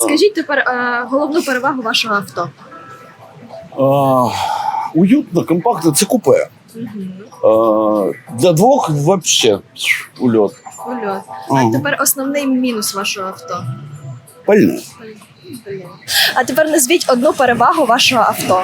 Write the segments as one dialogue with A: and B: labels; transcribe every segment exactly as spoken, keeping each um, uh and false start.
A: Скажіть тепер е, головну перевагу вашого авто.
B: А, уютно, компактно, це купе. А, для двох вообще ульот.
A: Ульот.
B: Ага.
A: А тепер основний мінус вашого авто.
B: Пальне.
A: А тепер назвіть одну перевагу вашого авто.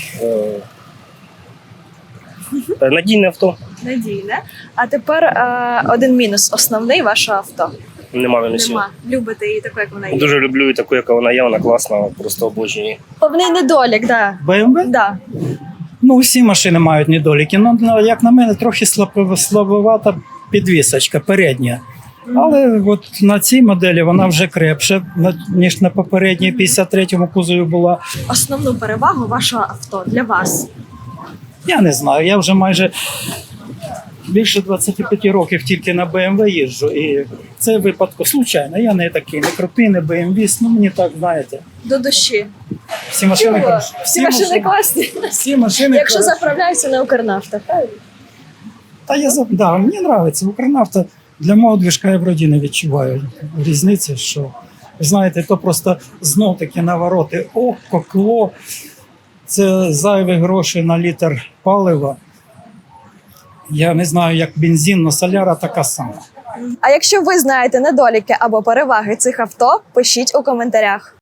C: Е, Надійне авто.
A: Надійне. А тепер е, один мінус основний вашого авто.
C: Нема мінусів.
A: Нема. Любите її таку, як вона є.
C: Дуже люблю її таку, яка вона є, вона класна, просто обожнюю її.
A: Головний недолік, да.
D: Б М В?
A: Да.
D: Ну, всі машини мають недоліки. Ну, ну, як на мене, трохи слабо- слабовата підвісочка передня. Але от на цій моделі вона вже крепша, на- ніж на попередній п'ятдесят третьому кузові була.
A: Основну перевагу вашого авто для вас.
D: Я не знаю, я вже майже більше двадцяти п'яти років тільки на Б М В їжджу. І це випадку случайно. Я не такий, не крутий, не Б М В, ну мені так, знаєте.
A: До душі.
D: Всі машини,
A: Чого?
D: хороші.
A: Всі машини класні.
D: всі машини
A: Якщо
D: хороші.
A: заправляються на Укрнафта, правильно?
D: Та я за- да, мені подобається. Укрнафта для мого движка я вроді не відчуваю різниці, що ви знаєте, то просто знов таки навороти око, кло. Це зайві гроші на літр палива. Я не знаю, як бензин, але соляра така сама.
A: А якщо ви знаєте недоліки або переваги цих авто, пишіть у коментарях.